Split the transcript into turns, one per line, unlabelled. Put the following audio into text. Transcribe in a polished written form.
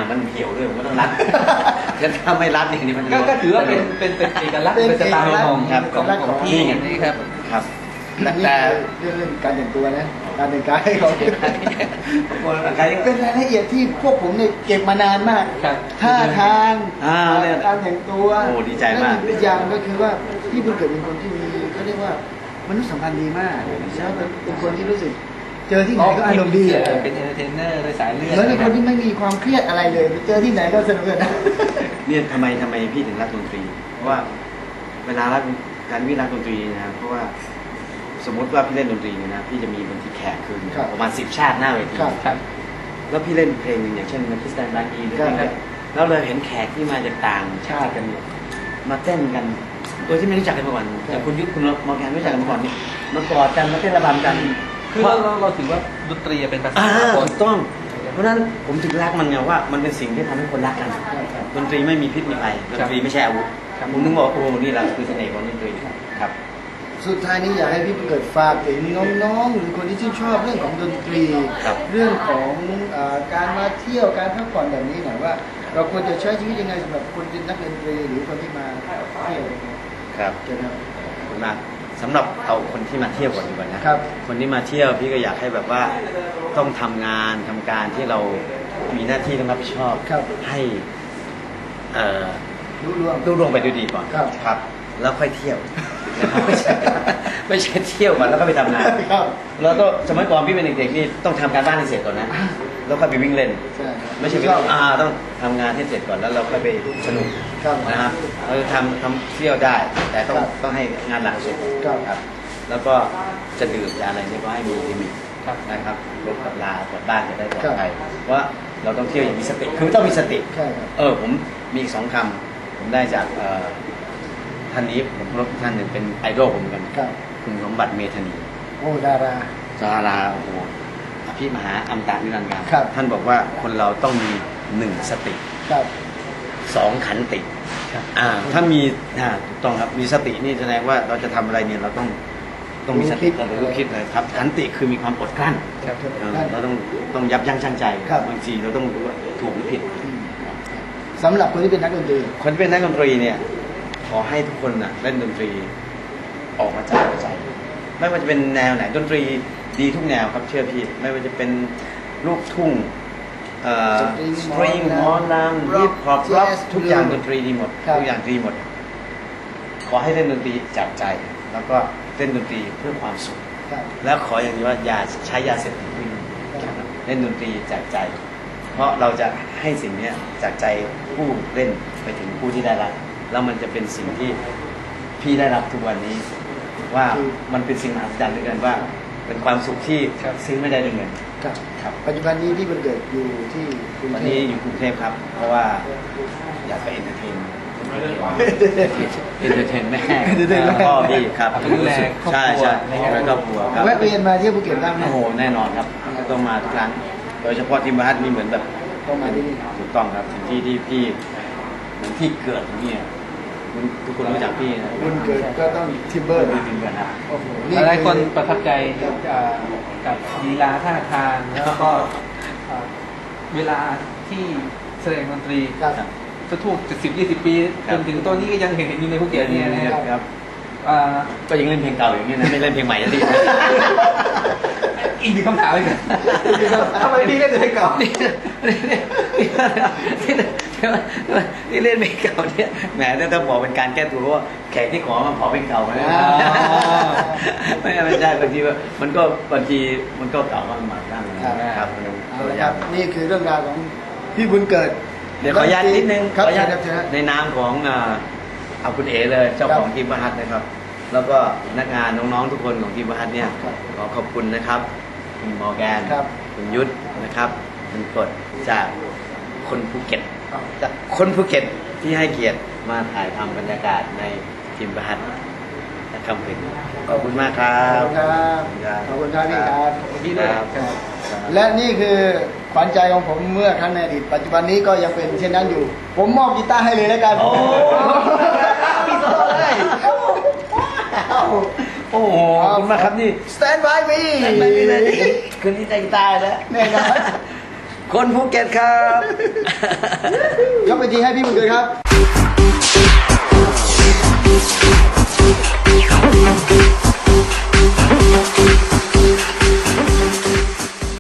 มันเหี่ยวด้วยผมก็ต้องรัดถ้าไม่รัดนี่มัน
ก็ถือว่าเป็นเอกลักษณ์เป็นสไตล์ของพี่นี่ครับ
ครับ
แต่เรื่องการแต่งตัวนะการแต่งกายให้เขาเป็นรายละเอียดที่พวกผมเนี่ยเก็บมานานมากท่าทางการแต่งตัว
โอ้ดีใจมาก
อีกอย่างก็คือว่าพี่บุญเกิดเป็นคนที่มีเขาเรียกว่ามนุษยสัมพันธ์ดีมากใช่เป็นคนที่รู้สึกเจอที่ไหนก็อารมณ์ดี
เป็นเอนเตอร์เทนเนอร์โดยสายเลือด
แล้วเป็นคนที่ไม่มีความเครียดอะไรเลยเจอที่ไหนก็สนุกเลยนะ
เนี่ยทำไมพี่ถึงรักดนตรีเพราะว่าเวลารักการวิรักดนตรีนะเพราะว่าสมมติว่าพี่เล่นดนตรีนะพี่จะมีบางทีแขกคือประมาณ10 ชาติหน้าเวทีแล้วพี่เล่นเพลงหนึ่งอย่างเช่นมันคริสตันบางอีหรือเพลงนี้แล้วเราเห็นแขกที่มาจากต่างชาติกันมาเต้นกันโดยที่ไม่รู้จักกันมาก่อนแต่คุณยุทธคุณมองแกนไม่รู้จักกันมาก่อนนี่มากอดกันมาเต้นระบำกัน
คือเราถือว่าดนตรีเป็นภาษา
ถูกต้องเพราะฉะนั้นผมถึงรักมันไงว่ามันเป็นสิ่งที่ทำให้คนรักกันดนตรีไม่มีพิษมีภัยดนตรีไม่ใช่อาวุธผมนึกว่าโอ้นี่แหละคือเสน่ห์ของดนตรีครับ
สุดท้ายนี้อยากให้พี่เกิดฝากถึงน้องๆหรือคนที่ชื่นชอบเรื่องของดนตรีเรื่องของการมาเที่ยวการพักผ่อนแบบนี้หน่อยว่าเราควรจะใช้ชีวิตยังไงสำหรับคนเป็นนักดนตรีหรือคนที่มาเที่ยว
ครับขอบคุณมากสำหรับเอาคนที่มาเที่ยวก่อนดีกว่านะครับคนที่มาเที่ยวพี่ก็อยากให้แบบว่าต้องทำงานทำการที่เรามีหน้าที่ต้องรับผิดชอบให้รุ่งเรืองไปด้วยดีก่อนครับแล้วค่อยเที่ยวไม่ใช่เที่ยวก่อนแล้วก็ไปทำงานแล้วก็สมัยก่อนพี่เป็นเด็กๆนี่ต้องทำการบ้านให้เสร็จก่อนนะแล้วก็ไปวิ่งเล่นไม่ใช่ต้องทำงานให้เสร็จก่อนแล้วเราค่อยไปสนุกนะครับเราทำเที่ยวได้แต่ต้องให้งานหลักเสร็จครับแล้วก็จะดื่มจะอะไรนี่ก็ให้มีลิมิตนะครับรถกับลากลับบ้านจะได้ปลอดภัยเพราะเราต้องเที่ยวอย่างมีสติคือต้องมีสติผมมีอีก2 คำผมได้จากท่านนี้ผมรบท่านหนึ่งเป็นไอดอลผมเหมือนกันคุณสมบัติเมธานี
โอ้ดารา
โอ้โหอภิมหาอมตะนิรันดร์การท่านบอกว่าคนเราต้องมี1 สติ2 ขันติถ้ามีถูกต้องครับมีสตินี่แสดงว่าเราจะทำอะไรเนี่ยเราต้องมีสติเราต้องคิดเลยครับขันติคือมีความอดกลั้นเราต้องยับยั้งชั่งใจบางทีเราต้องรู้ว่าถูกหรือผิด
สำหรับคนที่เป็นนักดนตรี
เนี่ยขอให้ทุกคนเล่นดนตรีออกมาจากหัวใจไม่ว่าจะเป็นแนวไหนดนตรีดีทุกแนวครับเชื่อพี่ไม่ว่าจะเป็นลูกทุ่งสตริงหมอลำฮิปฮอปร็อกทุกอย่างดนตรีดีหมดทุกอย่างดีหมดขอให้เล่นดนตรีจากใจแล้วก็เล่นดนตรีเพื่อความสุขแล้วขออย่างนี้ว่าอย่าใช้ยาเสพติดเล่นดนตรีจากใจเพราะเราจะให้สิ่งนี้จากใจผู้เล่นไปถึงผู้ที่ได้รับแล้วมันจะเป็นสิ่งที่พี่ได้รับทุกวันนี้ว่ามันเป็นสิ่งมหัศจรรย์ด้วยกันว่าเป็นความสุขที่ซื้อไม่ได้ด้วยเงิน
ครับปัจจุบันนี้พี่บุญเกิดอยู่ที่
วันนี้อยู่กรุงเทพครับเพราะว่าอยากไปเอนเตอร์เทนแม่พ่อพี่ครับใช่แล้วก็ครอบครัวครับ
แวะเวียนมาเที่ยวภูเก็ตบ้างไหม
โอ้โหแน่นอนครับต้องมาทุกครั้งโดยเฉพาะที่บ้านมีเหมือนแบบ
ต้องมาที่นี่
ถูกต้องครับที่พี่เหมือนที่เกิดนี่ทุกคนรู้จักพี่นะ
บุญเกิดก็ต้องทิมเบอร์
ทิมเบอร์นะ
หลายคนประทับใจกับลีลาท่าทางแล้วก็เวลาที่แสดงดนตรีจะถูก10-20 ปีจนถึงตอนนี้ก็ยังเห็นอยู่ในภูเก็ตเนี่ย
นะครับก็ยังเล่นเพลงเก่าอย่างนี้นะไม่เล่นเพลงใหม่แล้วดิ
อีกหนึ่งคำถามเลยทำไมพี่เล่นเพลงเก่า
ที่เล่นเพลงเก่าเนี่ยแหมต้องบอกเป็นการแก้ตัวว่าแขกที่ขอมาขอเพลงเก่ามาไม่ใช่บางทีมันก็บางทีมันก็เก่ามากมายนะครับ
นี่คือเรื่องราวของพี่บุญเกิด
เดี๋ยวขออนุญาตนิดนึงขออนุญาตในนามของเอาคุณเอ๋เลยเจ้าของทีมประหัตนะครับแล้วก็พนักงานน้องๆทุกคนของทีมประหัตเนี่ยขอขอบคุณนะครับคุณมอร์แกนคุณยุทธนะครับคุณกฎจากคนภูเก็ตที่ให้เกียรติมาถ่ายทำบรรยากาศในทีมประหัตนะครับขอบคุณมากครับ
ขอบคุณครับพี่ครับพี่ด้วยและนี่คือขวัญใจของผมเมื่อครั้งในอดีตปัจจุบันนี้ก็ยังเป็นเช่นนั้นอยู่ผมมอบกีตาร์ให้เลยแล้วกัน
พี่โซ่เลยโอ้โหขอบคุณมากครับนี่
Stand by me
เลยคืนนี้ใจตายแล้ว
แน่นอน
คนภูเก็ตครับ
ยกไปทีให้พี่บุญเกิดครับ